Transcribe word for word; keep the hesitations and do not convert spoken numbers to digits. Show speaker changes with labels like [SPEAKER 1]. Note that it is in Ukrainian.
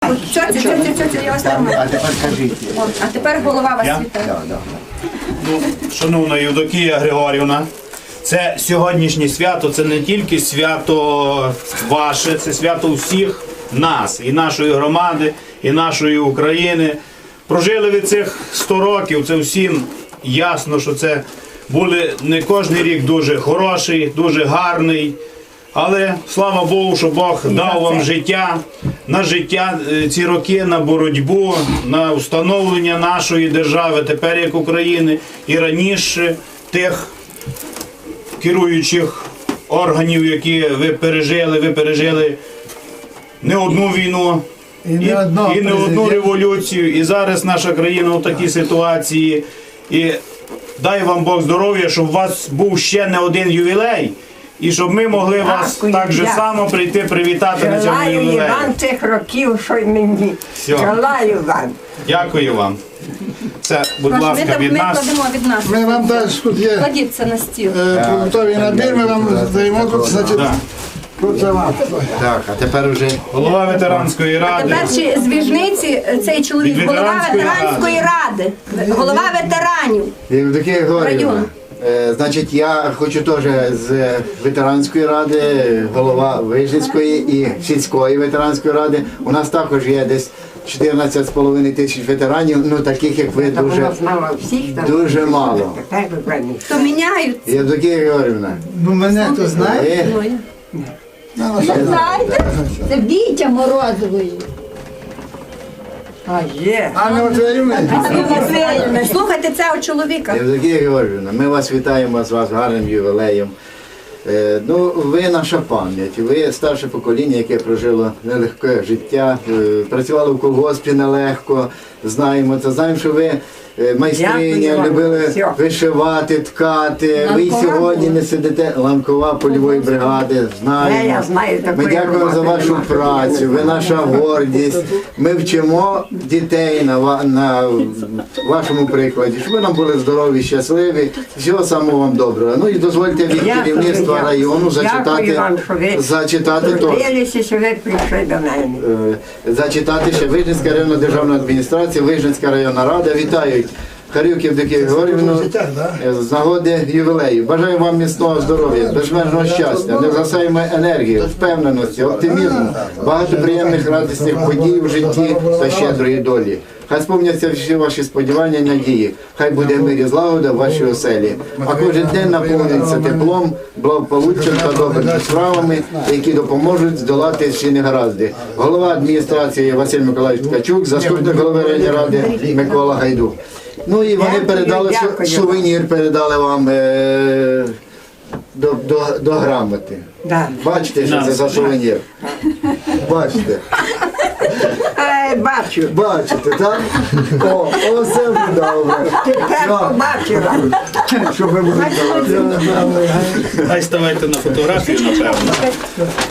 [SPEAKER 1] Цьоця, цьоця, цьоця, я вас тримаю.
[SPEAKER 2] А тепер кажіть.
[SPEAKER 1] О, а тепер голова вас
[SPEAKER 3] Я?
[SPEAKER 1] вітає.
[SPEAKER 2] Да, да.
[SPEAKER 3] Ну, шановна Євдокія Григорівна, це сьогоднішнє свято, це не тільки свято ваше, це свято всіх нас, і нашої громади, і нашої України. Прожили ви цих сто років, це всім ясно, що це були не кожен рік дуже хороший, дуже гарний. Але слава Богу, що Бог дав вам життя, на життя е, ці роки, на боротьбу, на встановлення нашої держави, тепер як України, і раніше тих керуючих органів, які ви пережили, ви пережили не одну війну,
[SPEAKER 4] І не одного
[SPEAKER 3] і не одну
[SPEAKER 4] президента.
[SPEAKER 3] революцію, і зараз наша країна у такій ситуації. І дай вам Бог здоров'я, щоб у вас був ще не один ювілей, і щоб ми могли вас
[SPEAKER 5] Дякую,
[SPEAKER 3] так же
[SPEAKER 5] дякую.
[SPEAKER 3] само прийти привітати на цьому
[SPEAKER 5] Желаю і
[SPEAKER 3] ювілеї.
[SPEAKER 5] вам цих років, що й мені.
[SPEAKER 3] Все.
[SPEAKER 5] Желаю вам.
[SPEAKER 3] Дякую вам. Це, будь
[SPEAKER 1] Прошу, ми,
[SPEAKER 3] ласка,
[SPEAKER 1] там-
[SPEAKER 3] від
[SPEAKER 1] ми
[SPEAKER 3] нас.
[SPEAKER 1] кладемо від нас.
[SPEAKER 4] Ми вам теж тут є
[SPEAKER 1] Кладіть це на стіл.
[SPEAKER 4] е, продуктовий набір, ми вам даємо тут, значить,
[SPEAKER 3] Да.
[SPEAKER 4] тут за вас.
[SPEAKER 2] Так, а тепер уже
[SPEAKER 3] Голова ветеранської ради.
[SPEAKER 1] Тепер ще з Віжниці цей чоловік,
[SPEAKER 3] Від
[SPEAKER 1] голова
[SPEAKER 3] ветеранської
[SPEAKER 1] ветеранської ради, голова ветеранів.
[SPEAKER 2] Євдокія Григорівна,
[SPEAKER 1] Район.
[SPEAKER 2] е, значить, я хочу теж з ветеранської ради, голова Вижницької і сільської ветеранської ради. У нас також є десь чотирнадцять з половиною тисяч ветеранів, ну таких як ви
[SPEAKER 5] Та
[SPEAKER 2] дуже,
[SPEAKER 5] вона знала всіх, там,
[SPEAKER 2] дуже мало.
[SPEAKER 5] тепер ви певні.
[SPEAKER 1] То міняють.
[SPEAKER 2] Євдокія Григорівна,
[SPEAKER 4] Ну мене хто знає?
[SPEAKER 2] ви
[SPEAKER 6] Знаєте, це Вітя Морозової.
[SPEAKER 5] А є.
[SPEAKER 4] Анна Матвіївна?
[SPEAKER 1] Слухайте цього чоловіка.
[SPEAKER 2] Євдокія Георгіївна, ми вас вітаємо з вас гарним ювілеєм. Е, Ну, ви наша пам'ять, ви старше покоління, яке прожило нелегке життя, е, працювали в колгоспі нелегко, знаємо це, знаємо, що ви е, майстриня,
[SPEAKER 5] Дякую вам.
[SPEAKER 2] любили
[SPEAKER 5] Всьо.
[SPEAKER 2] вишивати, ткати. Ви й
[SPEAKER 6] Ланкова
[SPEAKER 2] сьогодні
[SPEAKER 6] була.
[SPEAKER 2] не сидите, ланкова польової бригади,
[SPEAKER 5] Е,
[SPEAKER 2] знаємо.
[SPEAKER 5] я знаю,
[SPEAKER 2] Ми
[SPEAKER 5] такої
[SPEAKER 2] дякуємо за
[SPEAKER 5] роботи
[SPEAKER 2] вашу
[SPEAKER 5] нема.
[SPEAKER 2] працю, ви наша гордість. Ми вчимо дітей на, ва- на вашому прикладі, щоб ви нам були здорові, щасливі. Всього самого вам доброго. Ну і дозвольте від
[SPEAKER 5] Я
[SPEAKER 2] керівництва
[SPEAKER 5] дуже
[SPEAKER 2] району
[SPEAKER 5] дякую
[SPEAKER 2] зачитати,
[SPEAKER 5] вам, що ви
[SPEAKER 2] зачитати теж.
[SPEAKER 5] Трудилися, що ви прийшли до мене.
[SPEAKER 2] Е, Зачитати ще Вижницька районна державна адміністрація, Вижницька районна рада. Вітають Харюк Євдокію Григорівну е, з нагоди ювілею. Бажаю вам міцного здоров'я, безмежного щастя, невзасаємої енергії, впевненості, оптимізму, багато приємних радісних подій у житті та щедрої долі. Хай сповняться всі ваші сподівання і надії. Хай буде мир і злагода в вашій оселі. А кожен день наповниться теплом, благополуччям та добрими справами, які допоможуть здолати всі негаразди. Голова адміністрації Василь Миколаївич Ткачук, заступник голови районної ради Микола Гайдук. Ну і вони
[SPEAKER 5] Дякую,
[SPEAKER 2] передали су-
[SPEAKER 5] дякую.
[SPEAKER 2] сувенір, передали вам е- до, до, до грамоти.
[SPEAKER 5] Да.
[SPEAKER 2] Бачите, що це за сувенір? Бачите?
[SPEAKER 5] Е, бачу.
[SPEAKER 2] Бачите, так? О, оце добре.
[SPEAKER 5] Тепер побачила.
[SPEAKER 2] Щоб ви були здорові.
[SPEAKER 3] Хай ставайте на фотографію, напевно.